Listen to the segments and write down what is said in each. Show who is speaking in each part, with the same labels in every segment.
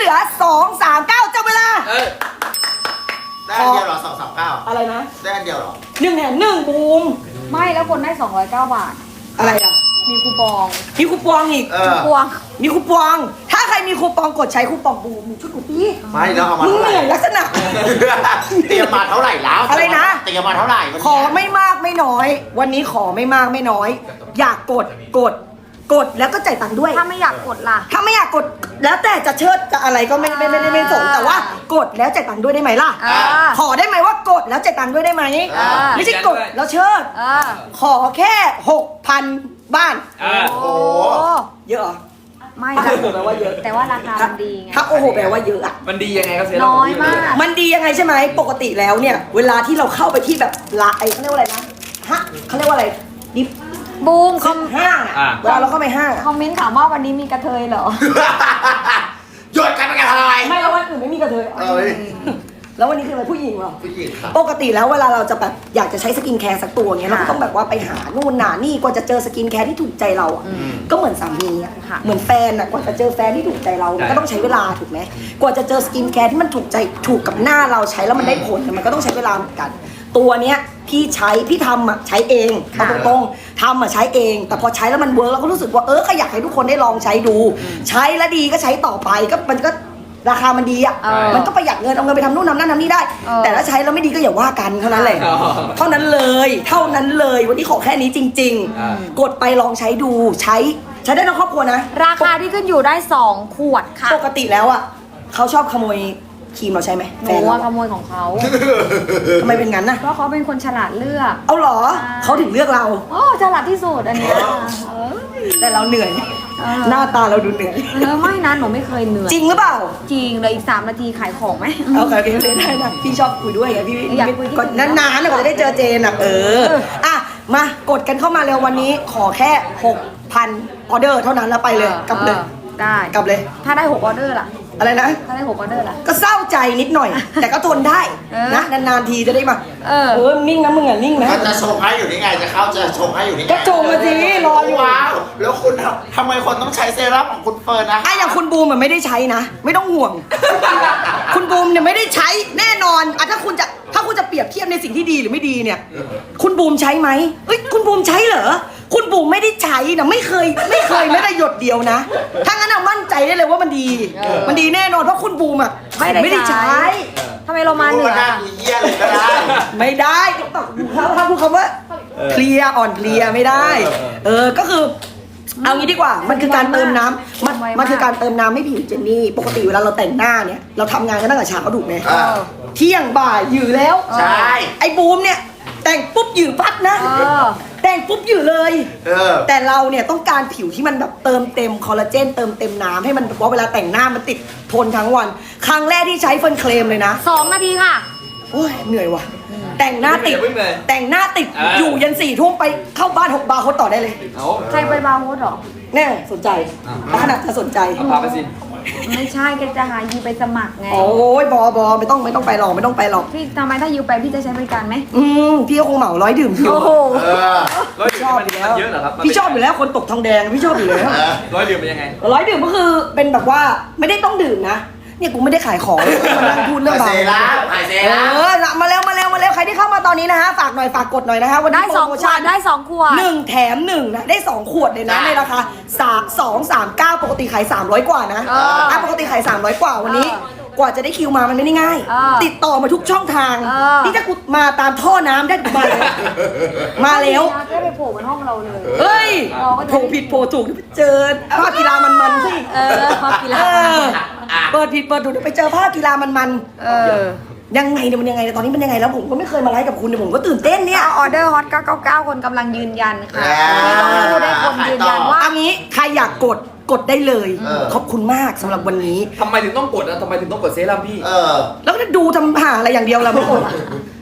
Speaker 1: ลือ239จับเวลา
Speaker 2: ได้อันเดียวเหรอ239
Speaker 1: อะไรนะ
Speaker 2: ได้อันเดียวเหรอ
Speaker 1: 1 แถม 1บูม
Speaker 3: ไม่แล้วคนได้209 บาท
Speaker 1: อะไรอ่ะ
Speaker 3: มีคูปอง
Speaker 1: มีคูปองอีก
Speaker 3: คูปอง
Speaker 1: มีคูปองถ้าใครมีคูปองกดใช้คูปองบูมชุดกูปี
Speaker 2: ไม่แล้วเอามา
Speaker 1: มึง
Speaker 2: เท่า
Speaker 1: เห
Speaker 2: ไหร่
Speaker 1: นื่อยลักษณะ
Speaker 2: เตรียมมาเท่าไหร่แล้ว
Speaker 1: อะไรนะ
Speaker 2: เตรียมมาเท่าไหร่
Speaker 1: ขอไม่มากไม่น้อย วันนี้ขอไม่มากไม่น้อย อยากกดแล้วก็จ่ายตังค์ด้วย
Speaker 3: ถ้าไม่อยากกดล่ะ
Speaker 1: ถ้าไม่อยากกดแล้วแต่จะเชิดจะอะไรก็ไม่สนแต่ว่ากดแล้วจ่ายตังค์ด้วยได้ไหมล่ะขอได้ไหมว่ากดแล้วจ่ายตังค์ด้วยได้ไหมไม่ใช่กดแล้วเชิดขอแค่ 6,000 บ้าน
Speaker 2: โอ้โห
Speaker 1: เยอะเหรอ
Speaker 3: ไม่
Speaker 1: ถ้าโอ้โหแปลว่าเยอะ
Speaker 3: แต่ว่าราคามันดีไง
Speaker 1: ถ้าโอ้โหแปลว่าเยอะอะ
Speaker 4: มันดียังไงครับเซรั่ม
Speaker 3: น้อยมาก
Speaker 1: มันดียังไงใช่ไหมปกติแล้วเนี่ยเวลาที่เราเข้าไปที่แบบเขาเรียกว่าอะไรนะฮะเขาเรียกว่าอะไรดิฟ
Speaker 3: บูมคอม
Speaker 1: ห้างเวลาเราเข้าไปห้าง
Speaker 3: คอมเมนต์ถามว่าวันนี้มีกระเทยเหรอ
Speaker 2: หยุดกันเป็นกันอะไร
Speaker 1: ไม่แล้ววันอื่นไม่มีกระเทยแล้ววันนี้คืออะไรผู้หญิงเหรอ
Speaker 2: ผู้หญิงค่ะ
Speaker 1: ปกติแล้วเวลาเราจะแบบอยากจะใช้สกินแคร์สักตัวเงี้ยเราก็ต้องแบบว่าไปหานู่นหานี่กว่าจะเจอสกินแคร์ที่ถูกใจเราอ่ะก็เหมือนสามีอ่ะเหมือนแฟนอ่ะกว่าจะเจอแฟนที่ถูกใจเรามันก็ต้องใช้เวลาถูกไหมกว่าจะเจอสกินแคร์ที่มันถูกใจถูกกับหน้าเราใช้แล้วมันได้ผลมันก็ต้องใช้เวลาเหมือนกันตัวเนี้ยพี่ทำอ่ะใช้เองเอาตรงๆทำอ่ะใช้เองแต่พอใช้แล้วมันเวิร์กเราก็รู้สึกว่าก็อยากให้ทุกคนได้ลองใช้ดูใช้แล้วดีก็ใช้ต่อไปก็มันก็ราคามันดีอ่ะมันก็ประหยัดเงินเอาเงินไปทำนู่นทำนั่นทำนี่ได้แต่ถ้าใช้แล้วไม่ดีก็อย่าว่ากันเท่านั้นแหละเท่านั้นเลยวันนี้ขอแค่นี้จริงๆกดไปลองใช้ดูใช้ได้ทั้งครอบครัวนะ
Speaker 3: ราคาที่ขึ้นอยู่ได้2 ขวดค่ะ
Speaker 1: ปกติแล้วอ่ะเขาชอบขโมยครีมเราใช่ไหม
Speaker 3: แฟนเราขโมยของเขา
Speaker 1: ทำไมเป็นงั้นน่ะ
Speaker 3: เพราะเขาเป็นคนฉลาดเลือก
Speaker 1: เอาหรอเขาถึงเลือกเรา
Speaker 3: ฉลาดที่สุดอันนี้
Speaker 1: แต่เราเหนื่อยหน้าตาเราดูเหนื่อย
Speaker 3: ไม่นะหนูไม่เคยเหนื่อย
Speaker 1: จริงหรือเปล่า
Speaker 3: จริงเลยอีก3 นาทีขายของไหม
Speaker 1: โอเคได้นะพี่ชอบคุยด้วยไงพี่อยากคุยก่อนนานๆกว่าจะได้เจอเจนอ่ะอ่ะมากดกันเข้ามาเร็ววันนี้ขอแค่ 6,000 ออเดอร์เท่านั้นแล้วไปเลยกลับเลย
Speaker 3: ได้
Speaker 1: กลับเลย
Speaker 3: ถ้าได้6 ออเดอร์ล่ะ
Speaker 1: อะไรนะ
Speaker 3: ถ้าได้6 ออเดอร์ล่ะ
Speaker 1: ก็เศร้าใจนิดหน่อยแต่ก็ทนได้นะนานๆทีจะได้มานิ่งนะมึงอ่ะนิ่งนะ
Speaker 2: จะชงให้อยู่นี่ไงจะเข้าจะชงให้อยู่นี่
Speaker 1: ก็ชงมาสิรออยู่
Speaker 2: ว้าวแล้วคุณทำไมคนต้องใช้เซรั่มของคุณเฟิร์นนะ
Speaker 1: อย่างคุณบูมมันไม่ได้ใช้นะไม่ต้องห่วงคุณบูมเนี่ยไม่ได้ใช้แน่นอนถ้าคุณจะเปรียบเทียบในสิ่งที่ดีหรือไม่ดีเนี่ยคุณบูมใช้ไหมคุณบูมใช้เหรอคุณบูมไม่ได้ใช้นะไม่เคยไม่ได้หยดเดียวนะถ้างั้นเอามั่นใจได้เลยว่ามันดีแน่นอนเพราะคุณบูมอ่ะไม่ได้ใช้
Speaker 3: ทำไมเรามาเหนือ
Speaker 2: เยี่ยเลยก็ได้
Speaker 1: ไม่ได้ถ้าพูดคำว่าเพลียอ่อนเพลียไม่ได้ก็คือเอางี้ดีกว่ามันคือการเติมน้ำมันคือการเติมน้ำให้ผิวเจนนี่ปกติเวลาเราแต่งหน้าเนี่ยเราทำงานกันตั้งแต่เช้าถูกไหมเที่ยงบ่ายอยู่แล้ว
Speaker 2: ใช่
Speaker 1: ไอ้บูมเนี่ยแต่งปุ๊บอยู่ปั๊บนะแต่งปุ๊บอยู่เลยแต่เราเนี่ยต้องการผิวที่มันแบบเติมเต็มคอลลาเจนเติมเต็มน้ำให้มันเพราะเวลาแต่งหน้ามันติดทนทั้งวันครั้งแรกที่ใช้เฟิร์นเคลมเลยนะ
Speaker 3: 2 นาทีค่ะ
Speaker 1: โอ้ยเหนื่อยว่ะแต่งหน้าติดอยู่ยัน4 ทุ่มไปเข้าบ้าน6 บาร์โค้ดต่อได้เลย
Speaker 3: ใครไปบาร์โค้ดหรอ
Speaker 1: แน่สนใจขนาดจะสนใจ
Speaker 4: พาไปสิ
Speaker 3: ไม่ใช่แกจะหายูไปสมัครไง
Speaker 1: โอ้ยบอไม่ต้องไปหรอก
Speaker 3: พี่ทำไมถ้ายูไปพี่จะใช้บริการไหม
Speaker 1: พี่ก็คงเหมา100 ดื่มพี่
Speaker 4: ชอบอยู่แล้วเยอะเหรอครับ
Speaker 1: พี่ชอบอยู่แล้วคนตกทองแดงพี่ชอบอยู่แล้ว
Speaker 4: 100 ดื่มเป็นยังไง
Speaker 1: 100 ดื่มก็คือเป็นแบบว่าไม่ได้ต้องดื่มนะเนี่ยกูไม่ได้ขายของมานั่งพูดเรื่องบาร์มาแล้วใครที่เข้ามาตอนนี้นะฮะฝากหน่อยฝากกดหน่อยนะฮะวันนี้
Speaker 3: ได้2 ขวดได้2 ขวด
Speaker 1: 1 แถม 1นะได้2 ขวดเลยนะในราคา239ปกติขาย300 กว่านะปกติขาย300 กว่าวันนี้กว่าจะได้คิวมามันไม่ได้ง่ายติดต่อมาทุกช่องทางนี่ถ้ากูมาตามท่อน้ำได้กูมาแล้ว
Speaker 3: ก็ไปโผล่บนห้องเราเลย
Speaker 1: เฮ้ยโผล่ผิดโผล่ถูกเจอภาพกีฬามันสิ
Speaker 3: ภาพกีฬา
Speaker 1: เปิดผิดเปิดถูกไปเจอภาพกีฬามันยังไงเนี่ยมันยังไงตอนนี้มันยังไงแล้วผมก็ไม่เคยมาไลฟ์กับคุณเนี่ยผมก็ตื่นเต้นเนี่ย
Speaker 3: ออเดอร์ฮอต999คนกำลังยืนยันค่ะที่ต้องรู้ได้คนยืนยันว่า
Speaker 1: อันนี้ใครอยากกดได้เลยขอบคุณมากสำหรับวันนี้
Speaker 4: ทำไมถึงต้องกดนะทำไมถึงต้องกดเซรั่มพี่
Speaker 1: แล้วก็ดูทำหาอะไรอย่างเดียวล่ะไม่กดก็ต้องก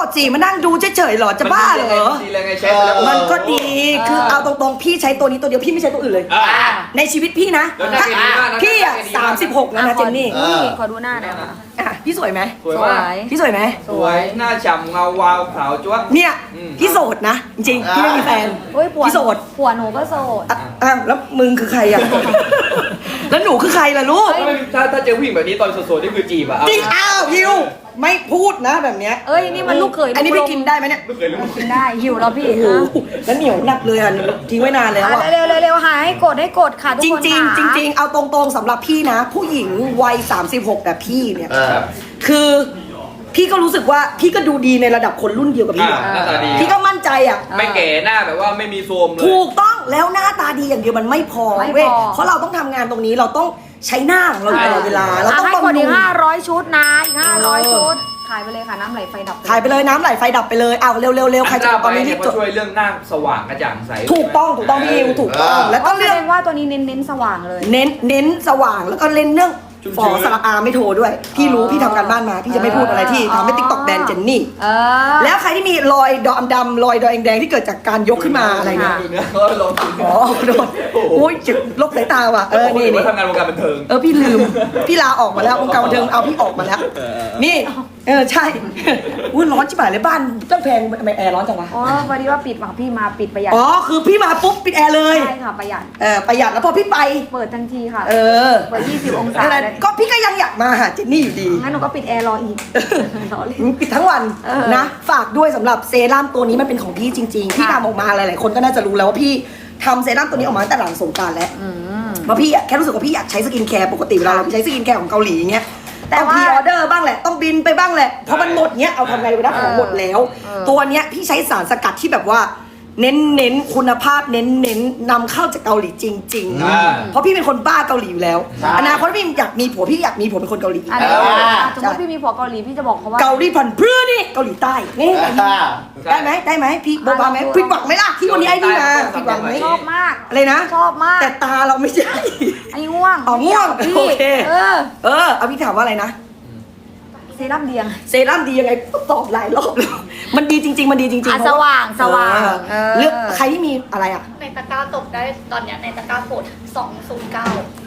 Speaker 1: สิมานั่งดูเฉยๆหรอจะบ้าเหรอ
Speaker 4: ดีเลยไงใช้ไปแล้ว
Speaker 1: มันก็ดีคือเอาตรงๆพี่ใช้ตัวนี้ตัวเดียวพี่ไม่ใช้ตัวอื่นเลย
Speaker 4: อ่า
Speaker 1: ในชีวิตพี่นะ
Speaker 4: แล้วหน้าดีมากนะ
Speaker 1: พี่อ่ะ
Speaker 4: หน้าดีมาก
Speaker 1: 36แล้วนะเจนนี่
Speaker 3: ขอดูหน้าหน่อยค่ะ
Speaker 1: อ่ะพี่สวยไหม
Speaker 4: สวยมาก
Speaker 1: พี่สวยไหม
Speaker 4: สวยหน้าฉ่ำเงาวาวขาวจ้วะ
Speaker 1: เนี่ย
Speaker 4: อืม
Speaker 1: พี่โสดนะจริงๆพี่ไม่มีแฟน
Speaker 3: เฮ้ยผัว
Speaker 1: พี่โสด
Speaker 3: ผัวหนูก็โสด
Speaker 1: อ้าวแล้วมึงคือใครอ่ะ แล้วหนูคือใครล่ะลูก
Speaker 4: ถ้าเจอผู้หญิงแบบนี้ตอนโสดๆนี่คือจีบอะ
Speaker 1: จริงอ้าวฮิวไม่พูดนะแบบเนี้ย
Speaker 3: เอ้ยนี่มันลูกเขย
Speaker 1: อันนี้พี่กินได้ไหมเนี่ย
Speaker 4: ไม่เคยรู้
Speaker 3: กินได้หิวแล้วพี่
Speaker 1: โอ้โหแล้วเหนียวหนักเลยอ่ะทิ้งไว้นานแล้ว
Speaker 3: อ่ะ
Speaker 1: อ่ะ
Speaker 3: เร็วๆเร็วๆหาให้กดค่ะทุก
Speaker 1: จริ
Speaker 3: ค
Speaker 1: ง
Speaker 3: น
Speaker 1: จริง
Speaker 3: ค่ะ
Speaker 1: จริงๆเอาตรงๆสำหรับพี่นะ ผู้หญิงวัย36แบบพี่เนี่ย คือพี่ก็รู้สึกว่าพี่ก็ดูดีในระดับคนรุ่นเดียวกับพี่
Speaker 4: อ่าหน้าตาดี
Speaker 1: พี่ก็มั่นใจอ่ะ
Speaker 4: ไม่แก่หน้าแบบว่าไม่มีโทรมเลย
Speaker 1: ถูกต้องแล้วหน้าตาดีอย่างเดียวมันไม่พอ
Speaker 3: ไม่พอ
Speaker 1: เว้ยเพราะเราต้องทำงานตรงนี้เราต้องใช้หน้าของเราอยู่ตลอดเวลาเรา
Speaker 3: อ่ะ
Speaker 1: ต้อง
Speaker 3: ให้
Speaker 1: บำ
Speaker 3: กด
Speaker 1: รุ
Speaker 3: อี
Speaker 1: ง
Speaker 3: ก500 ชุดนะอีก500 ชุด ขายไปเลยค่ะน้ำไหลไฟดับ
Speaker 1: ขายไปเลยน้ำไหลไฟดับไปเลยเอาเร็วๆใครจะ
Speaker 4: หน้า
Speaker 1: ตอนนี้
Speaker 4: ไป
Speaker 1: รี
Speaker 4: เนี่ย
Speaker 1: บ
Speaker 4: เขา
Speaker 1: จด
Speaker 4: ช่วยเรื่องหน้าสว่างกระจ่างใส
Speaker 1: ถูกต้องพี่อิวถูกต้องแล้ว
Speaker 3: ก็
Speaker 1: ก็
Speaker 3: แส
Speaker 1: เรื่อ
Speaker 3: ด
Speaker 1: ง
Speaker 3: งว่าตัวนี้เน้นสว่างเลย
Speaker 1: เน้นสว่างแล้วก็เล่นเรื่องฝอสระอาไม่โทรด้วย พี่รู้พี่ทำการบ้านมา พี่จะไม่พูดอะไรที่ทำให้ติ๊กต็อกแบนเจนนี่
Speaker 3: เออ
Speaker 1: แล้วใครที่มีรอยดำๆรอยแดงๆที่เกิดจากการยกขึ้นมาอะไรเนี่ย
Speaker 4: ดูเนื้อเขาลองดู
Speaker 1: อ๋อโดนอุ้ยเจ็บลบสายตาว่ะนี่
Speaker 4: ว่าทำงานวงการบันเทิง
Speaker 1: พี่ลืมพี่ลาออกมาแล้ววงการบันเทิงเอาพี่ออกมาแล้วนี่ใช่อุ้ยร้อนชิบหายเลยบ้านต้องแพงทำไมแอร์ร้อนจังวะ
Speaker 3: อ๋อพอดีว่าปิดค่ะพี่มาปิดประหยัด
Speaker 1: อ๋อคือพี่มาปุ๊บปิดแอร์เลย
Speaker 3: ใช่ค่ะประหยัด
Speaker 1: ประหยัดแล้วพอพี่ไป
Speaker 3: เปิดทันทีค่ะ
Speaker 1: เออ
Speaker 3: เปิด20 องศา
Speaker 1: นั่นแหละ
Speaker 3: เลย
Speaker 1: ก็พี่ก็ยังอยากมาหาเจนนี่อยู่ดี
Speaker 3: งั้นหนูก็ปิดแอร์รออีกรอเลย
Speaker 1: ปิดทั้งวัน
Speaker 3: เออ
Speaker 1: นะฝากด้วยสำหรับเซรั่มตัวนี้มันเป็นของพี่จริงๆพี่ทำออกมาหลายๆคนก็น่าจะรู้แล้วว่าพี่ทำเซรั่มตัวนี้ออกมาตั้งแต่หลังสงกรานต์แล้วเพราะพี่อะแค่รู้สึกว่าพี่อยากใช้สกินแคร์ปกติเวลาเราไปใช้สกินแคร์ของเกาหลีอย่างเงี้ย
Speaker 3: แต่
Speaker 1: ต้อง
Speaker 3: ว่า
Speaker 1: พรีออเดอร์บ้างแหละต้องบินไปบ้างแหละเพราะมันหมดเงี้ยเอาทำไงไปได้ของหมดแล้ว ตัวเนี้ยพี่ใช้สารสกัดที่แบบว่าเน้นคุณภาพเน้นนำเข้าจากเกาหลีจริง
Speaker 4: อ่า
Speaker 1: ๆเพราะพี่เป็นคนบ้าเกาหลีอยู่แล้วอนาคตพี่อยากมีผัวพี่อยากมีผัวเป็นคนเกาหลี
Speaker 3: อันนี้สมมติพี่มีผัวเกาหลีพี่จะบอกเขาว่า
Speaker 1: เกาหลีพันธุ์พื้นนี่เกาหลีใต้นี่ได้ไหมพี่โบบาไหมผิดหวังไหมล่ะที่วันนี้ไอ้นี่มาผิดหวังไหม
Speaker 3: ชอบมาก
Speaker 1: อะไรนะ
Speaker 3: ชอบมาก
Speaker 1: แต่ตาเราไม่ใช่
Speaker 3: อันนี้ง่วง
Speaker 1: อ๋อง่วง
Speaker 3: พี่
Speaker 1: โอเค เอาพี่ถามว่าอะไรนะ
Speaker 3: เซรั่มเดียง
Speaker 1: เซรั่มดียังไงตอบหลายรอบแล้วมันดีจริง ๆ มันดีจริงๆ
Speaker 3: อ่ะ
Speaker 1: เพระ
Speaker 3: สว่าง
Speaker 1: เลือกใครที่มีอะไรอ่ะ
Speaker 5: ในตะกร้าตกได้ตอนเนี้ยในตะกร้าโปรด209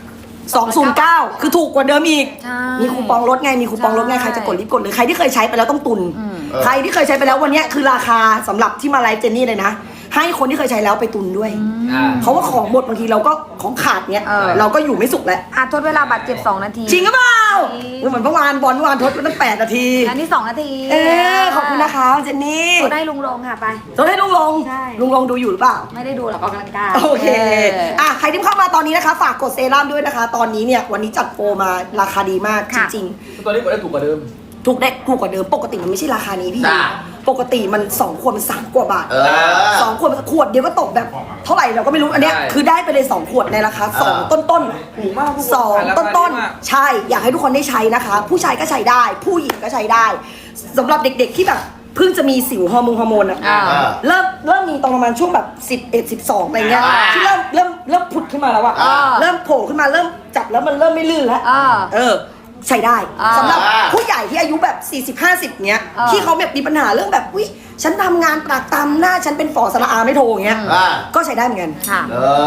Speaker 1: 209คือถูกกว่าเดิมอีก
Speaker 3: ใช่
Speaker 1: มีคูปองลดไงมีคูปองลดไง
Speaker 3: ใช่
Speaker 1: ใครจะกดรีบกดเลยใครที่เคยใช้ไปแล้วต้องตุน ใครที่เคยใช้ไปแล้ววันเนี้ยคือราคาสำหรับที่มาไลฟ์เจนนี่เลยนะให้คนที่เคยใช้แล้วไปตุนด้วย เพราะว่าของหมดบางทีเราก็ของขาดเนี้ยเราก็อยู่ไม่สุขแล้ว
Speaker 3: อ่ะทดเวลาบัตรเจ็บ2 นาที
Speaker 1: จริงหรือเปล่า
Speaker 3: จริง
Speaker 1: เหมือนเมื่อวานบอลเมื่อวานทดไปตั้ง8 นาที
Speaker 3: อันนี้2 นาที
Speaker 1: ขอบคุณนะคะเจนนี่
Speaker 3: ทดได้ลุงลงค่ะไป
Speaker 1: ทดให้ลุงลง
Speaker 3: ใช่
Speaker 1: ลุงลงดูอยู่หรือเปล่า
Speaker 3: ไม่ได้ดูหรอกออกกำลังกาย
Speaker 1: โอเคใครที่เข้ามาตอนนี้นะคะ ฝากกดเซรั่มด้วยนะคะ ตอนนี้เนี่ยวันนี้จัดโปรมาราคาดีมากจริง
Speaker 4: ตัวนี้กดได้ถูกกว่าเดิม
Speaker 1: ๆถูกได้ถูกกว่าเดิมปกติมันไม่ใช่ราคานี้พี่
Speaker 2: จ้ะ
Speaker 1: ปกติมัน2 ขวดมัน3 กว่าบาท สองขวดเดียวก็ตกแบบเท่าไหร่เราก็ไม่รู้อันเนี้ย
Speaker 4: ใช่
Speaker 1: คือได้ไปเลย2 ขวดในราคา2 ต้นๆ
Speaker 4: ถูกมาก
Speaker 1: สองต้นๆใช่อยากให้ทุกคนได้ใช้นะคะ ผู้ชายก็ใช้ได้ ผู้หญิงก็ใช้ได้สำหรับเด็กๆที่แบบเพิ่งจะมีสิวฮอร์โมนอะ
Speaker 3: อ่า
Speaker 1: เริ่มมีตอนประมาณช่วงแบบ11 12อะไรเงี้ยที่เริ่มผุดขึ้นมาแล้วอะ
Speaker 3: อ่า
Speaker 1: เริ่มโผล่ขึ้นมาเริ่มจับแล้วมันเริ่มไม่ลื่นแล้ว ใช้ได้
Speaker 3: อ่า
Speaker 1: สำหรับผู้ใหญ่ที่อายุแบบ 40-50 เนี้ย
Speaker 3: อ่า
Speaker 1: ที่เขาแบบมีปัญหาเรื่องแบบอุ๊ยฉันทำงานปากตามหน้าฉันเป็นฝอสระอาไม่โทรอย่างเงี้ยก็ใช้ได้เหมือนกัน
Speaker 3: ค่ะ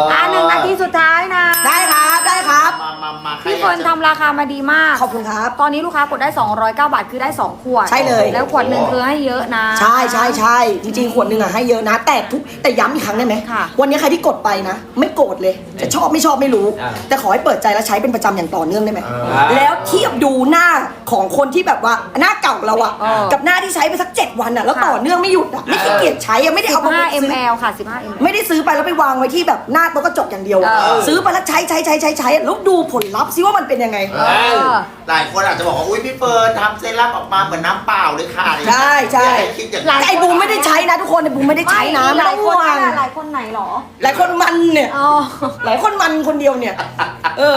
Speaker 3: 1 นาทีสุดท้ายนะ
Speaker 1: ได้ครับ
Speaker 2: มา
Speaker 3: พี่เฟิร์นทำราคามาดีมาก
Speaker 1: ขอบคุณครับ
Speaker 3: ตอนนี้ลูกค้ากดได้209 บาทคือได้2 ขวด
Speaker 1: ใช่เลย
Speaker 3: แล้วขวดหนึ่งคือให้เยอะนะ
Speaker 1: ใช่จริงๆขวดหนึ่งอะให้เยอะนะ แต่ย้ำอีกครั้งได้ไหม
Speaker 3: ค่ะ
Speaker 1: วันนี้ใครที่กดไปนะ ไม่โกรธเลย จะชอบไม่ชอบไม่รู้
Speaker 4: อ่า
Speaker 1: แต่ขอให้เปิดใจและใช้เป็นประจำอย่างต่อเนื่องได้ไหม
Speaker 4: อ่า
Speaker 1: แล้วเทียบดูหน้าของคนที่แบบว่าหน้าเก่าเราอะ
Speaker 3: เออ
Speaker 1: กับหน้าที่ใช้ไปสัก7 วันอะแล้ว
Speaker 3: ค่ะ
Speaker 1: ต่อเนื่องไม่หยุดอะไม่ขี้เกียจใช้อะไม่ได้เอามาซื้อ
Speaker 3: 15 ml ค่ะ15 ml
Speaker 1: ไม่ได้ซื้อไปแล้วไปวางไว้ที่แบบหน้าโต๊ะกระจกอย่างเดียวอะ
Speaker 3: เออ
Speaker 1: ซื้อไปแล้วใช้แล้วดูผลลัพธ์ซิว่ามันเป็นยังไง
Speaker 2: หลายคนอาจจะบอกว่า อุ้ยพี่เฟิร์นทำเซรั่มออกมาเหมือนน้ำเปล่าเลยค่ะ
Speaker 1: ใช่
Speaker 2: อย่าให้คิดอย่าง
Speaker 3: หลาย
Speaker 1: แต่ไอ้บูมไม่ได้ใช้นะทุกคนไอ้บูมไม่ได้ใช้นะ
Speaker 3: หลายคน
Speaker 1: ไม่ต้องห่วง
Speaker 3: หลายคนไหนหรอ
Speaker 1: หลายคนมันเนี่ย
Speaker 3: อ๋อ
Speaker 1: หลายคนมันคนเดียวเนี่ย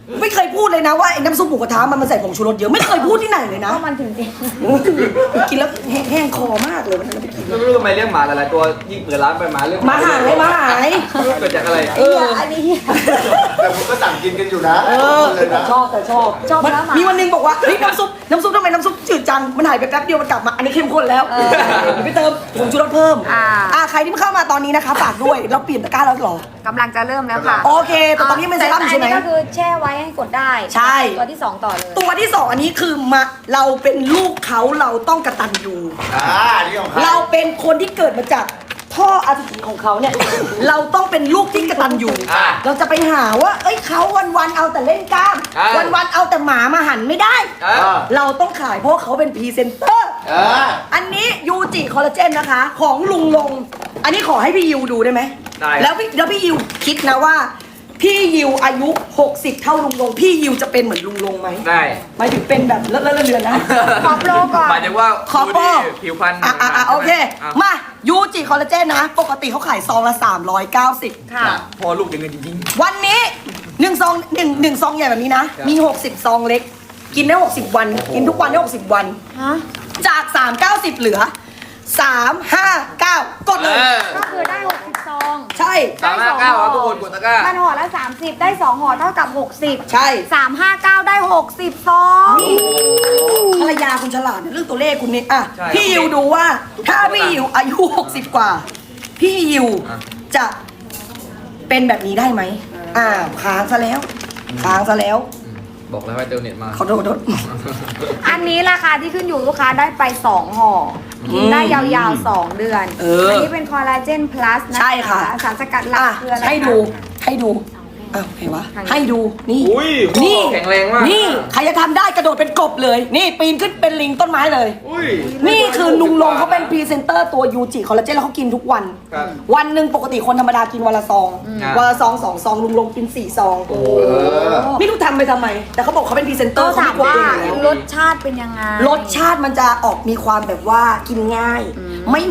Speaker 1: ไม่เคยพูดเลยนะว่าไอ้น้ำซุปหมูกระทะมันใส่ผงชูรสเยอะไม่เคยพูดที่ไหนเลยนะ
Speaker 3: ก็มันถึงจริง
Speaker 1: กินแล้วแห้งคอมากเลยวันนั้นไปกิน
Speaker 4: ไม่รู้ทำไมเลี้ยงหมาหลายๆตัวยิ่งเปิดร้านไปหมาเรื่อง
Speaker 1: มาหาย
Speaker 4: ไม่รู้เกิดจากอะไร
Speaker 3: อันนี้
Speaker 2: แต่ผมก็สั่งกินกันอยู่นะ เลยนะ
Speaker 1: ชอบแต่ชอบ
Speaker 3: ชอบแล้วหมามี
Speaker 1: มีวันหนึงบอกว่าเฮ้ยน้ำซุปทำไมน้ำซุปจืดจังมันหายไปแป๊บเดียวมันกลับมาอันนี้เข้มข้นแล้วไปเติมผงชูรสเพิ่มใครที่เข้ามาตอนนี้นะคะฝากด้วยเราเปลี่ยนตะกร้าแล้วหรอก
Speaker 3: ำลังจะเริ่มแล้วค่ะ
Speaker 1: โอเคแต่ตอนนี้มันเซรั่มอยู่ใช่ไหม
Speaker 3: แต่อันนี้ก็คือแช่ไว้ให้กดได้
Speaker 1: ใช่
Speaker 3: ตัวที่ 2 ต่อเลย
Speaker 1: ตัวที่สองอันนี้คือมาเราเป็นลูกเขาเราต้องกตัญญู
Speaker 2: นี่ของใคร
Speaker 1: เราเป็นคนที่เกิดมาจากพ่ออสุจิของเขาเนี่ย เราต้องเป็นลูกที่กตัญญูเราจะไปหาว่า เอ้ยเขาวันๆเอาแต่เล่นกล้าม วันๆเอาแต่หมามาหันไม่ได้ เราต้องขายเพราะเขาเป็นพรีเซนเตอร์ อันนี้ยูจิคอลลาเจนนะคะ ของลุงลง อันนี้ขอให้พี่ยิวดูได้ไหม
Speaker 4: ได้
Speaker 1: แล้วพี่ยิวคิดนะว่า พี่ยิวอายุ 60 เท่าลุงลง พี่ยิวจะเป็นเหมือนลุงลงไหม
Speaker 4: ได้
Speaker 1: หมายถึงเป็นแบบเลอะเลือนๆนะ
Speaker 3: ขอโปรก่อน
Speaker 4: หมายถึงว่า
Speaker 1: ขอโปร
Speaker 4: ดูดิผิวพรรณ
Speaker 1: โอเค
Speaker 4: อ่ะ
Speaker 1: มายูจิคอลลาเจนนะ ปกติเขาขายซองละ 390
Speaker 3: ค่ะ
Speaker 4: พอลูกจะเงินจริง
Speaker 1: วันนี้1ซอง1ซองใหญ่แบบนี้นะ มี 60 ซองเล็ก กินได้ 60 วัน กินทุกวันได้ 60 วัน
Speaker 3: ฮะ
Speaker 1: จาก 390 เหลือ 359 กดเลย
Speaker 3: ก็คือได้ 60 ซอง
Speaker 1: ใช่
Speaker 4: 359ครับทุกคนกดตะกร้า
Speaker 3: มันห่อละ30 ได้ 2 ห่อเท่ากับ 60
Speaker 1: ใช่
Speaker 3: 359 ได้ 60 ซอง
Speaker 1: ภรรยาคุณฉลาดในเรื่องตัวเลขคุณนี่อ่ะ
Speaker 4: ใช่
Speaker 1: พี่ยิวดูว่า ถ้าพี่ยิวอายุ 60 กว่า พี่ยิว
Speaker 4: อ่ะ
Speaker 1: จะเป็นแบบนี้ได้ไหมค้างซะแล้ว
Speaker 4: บอกแล้วให้เติมเน็ตมา
Speaker 1: ขอโทษ
Speaker 3: อันนี้ราคาที่ขึ้นอยู่ลูกค้าได้ไป 2 ห่อกินได้ยาวๆ 2 เดือน อันนี้เป็นคอลลาเจนพลัสนะคะ
Speaker 1: ใช่ค่ะ
Speaker 3: สารสกัดหลัก
Speaker 1: อ่ะ
Speaker 3: คืออะไรคะ
Speaker 1: ให้ดูอ้าวใครวะ ให้ดูนี่
Speaker 4: อุ้ย
Speaker 1: นี่
Speaker 4: แข็งแรงมาก
Speaker 1: นี่ใครจะทำได้กระโดดเป็นกบเลย นี่ปีนขึ้นเป็นลิงต้นไม้เลย
Speaker 4: อุ้ย
Speaker 1: นี่คือลุงลงเขาเป็นพรีเซนเตอร์ตัวยูจิคอลลาเจนแล้วเขากินทุกวัน
Speaker 4: ครับ
Speaker 1: วันหนึ่งปกติคนธรรมดากินวันละซอง
Speaker 4: ครับ
Speaker 1: วันละซอง2 ซองลุงลงกิน4 ซองไม่รู้ทำไปทำไม แต่เขาบอกเขาเป็นพรีเซนเตอ
Speaker 3: ก็
Speaker 1: ร์เขา
Speaker 3: ถาม
Speaker 1: ไม่กลัว
Speaker 3: ว่า
Speaker 1: ตัวเองอยู่
Speaker 3: ร
Speaker 1: แล้ว
Speaker 3: สชาติเป็นยังไง
Speaker 1: รสชาติมันจะออกมีความแบบว่ากินง่าย ไม่